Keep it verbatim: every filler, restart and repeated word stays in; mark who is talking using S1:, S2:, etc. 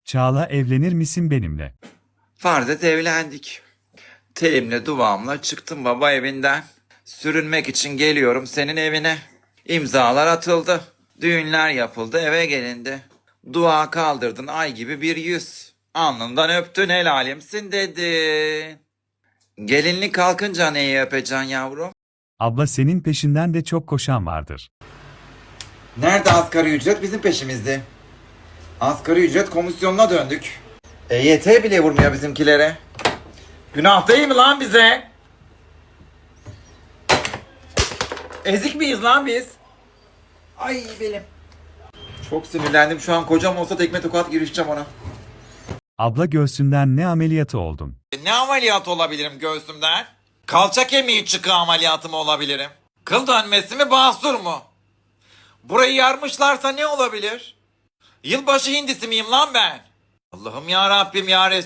S1: Çağla, evlenir misin benimle?
S2: Farz et evlendik. Telimle duvağımla çıktım baba evinden. Sürünmek için geliyorum senin evine. İmzalar atıldı. Düğünler yapıldı, eve gelindi. Dua kaldırdın ay gibi bir yüz. Alnından öptün, helalimsin dedin. Gelinlik kalkınca neyi öpeceksin yavrum?
S1: Abla, senin peşinden de çok koşan vardır.
S2: Nerede asgari ücret? Bizim peşimizde. Asgari ücret komisyonuna döndük. E Y T bile vurmuyor bizimkilere. Günah değil mi lan bize? Ezik miyiz lan biz? Ay benim. Çok sinirlendim, şu an kocam olsa tekme tokat girişeceğim ona.
S1: Abla, göğsünden ne ameliyatı oldun?
S2: E, Ne ameliyat olabilirim göğsümden? Kalça kemiği çıkığı ameliyatı mı olabilirim? Kıl dönmesi mi, basur mu? Burayı yarmışlarsa ne olabilir? Yılbaşı hindisi miyim lan ben? Allah'ım ya Rabbim ya Resul.